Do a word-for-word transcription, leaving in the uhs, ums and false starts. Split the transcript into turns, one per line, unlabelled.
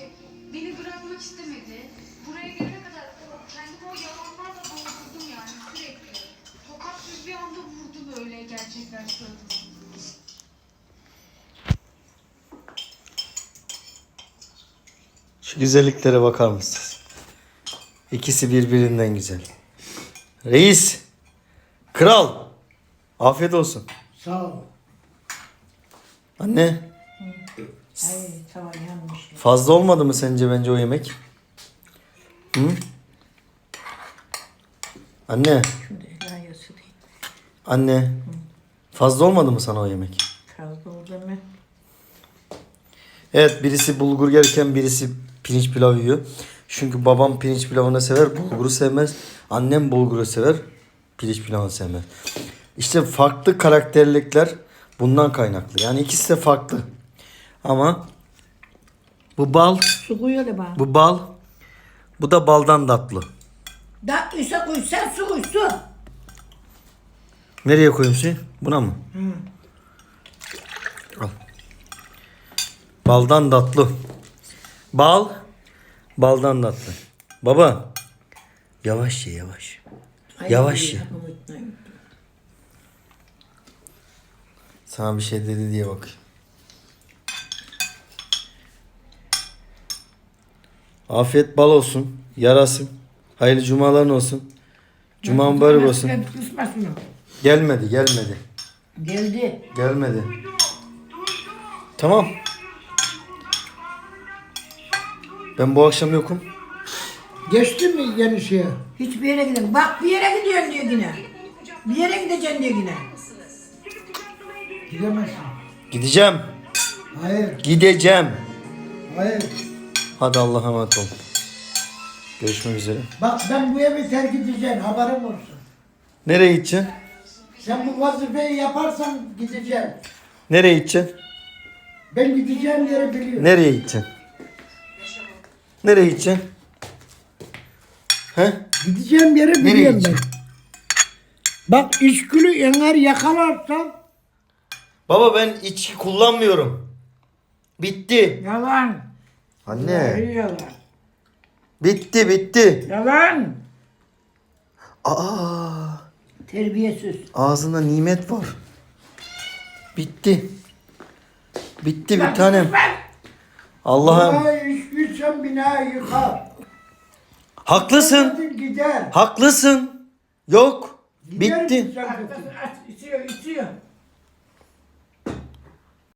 işte beni bırakmak istemedi. Buraya gelene kadar kendimi o yalanlarla doldurdum yani sürekli. Tokat bir bir anda vurdu böyle gerçekler suratına.
Şu güzelliklere bakar mısınız? İkisi birbirinden güzel. Reis, kral, afiyet olsun.
Sağ ol.
Anne,
Ay tamam yanmış.
fazla olmadı mı sence bence o yemek? Hı? Anne,
Şimdi layası değil.
anne, fazla olmadı mı sana o yemek?
Fazla oldu mu?
Evet, birisi bulgur yerken birisi pirinç pilav yiyor. Çünkü babam pirinç pilavını sever, bulguru sevmez. Annem bulguru sever, pirinç pilavını sevmez. İşte farklı karakterlikler bundan kaynaklı. Yani ikisi de farklı. Ama bu bal,
Su koyuyor da bana.
bu bal, bu da baldan tatlı.
Tatlıysa koy sen su koy su.
Nereye koyayım suyu? Buna mı? Al. Baldan tatlı. Bal, baldan tatlı. Baba, yavaş ye yavaş.
Ay,
Yavaş ye.
unutmayın.
Sana bir şey dedi diye bak. Afiyet bal olsun. Yarasın. Hayırlı cumaların olsun. Cuma mübarek olsun.
Kısma şunu.
Gelmedi gelmedi.
Geldi.
Gelmedi. Tamam. Ben bu akşam yokum.
Geçtin mi yeni şeye?
Hiçbir yere gidin. Bak bir yere gidiyorsun diyor yine. Bir yere gideceksin diyor yine.
Gidemezsin.
Gideceğim.
Hayır,
Gideceğim.
hayır.
Hadi Allah'a emanet ol. Görüşmek üzere.
Bak ben bu evi terk edeceğim, haberim olsun.
Nereye gideceksin?
Sen bu vazifeyi yaparsan gideceğim.
Nereye gideceksin?
Ben gideceğim yeri biliyorum.
Nereye gideceksin? Nereye gideceksin? He?
Gideceğim yeri
Nereye
biliyorum ben.
gideceksin?
Bak işgülü eğer yakalarsan
Baba ben içki kullanmıyorum. Bitti.
Yalan.
Anne.
Yalan.
Bitti bitti.
Yalan.
Aa,
Terbiyesiz.
ağzında nimet var. Bitti. Bitti bir tanem. Allah'ım.
Allah'a işgül sen binayı yıkar.
Haklısın.
Hadi gider.
Haklısın. Yok.
Gider
Bitti.
sen-
İçiyor, içiyor.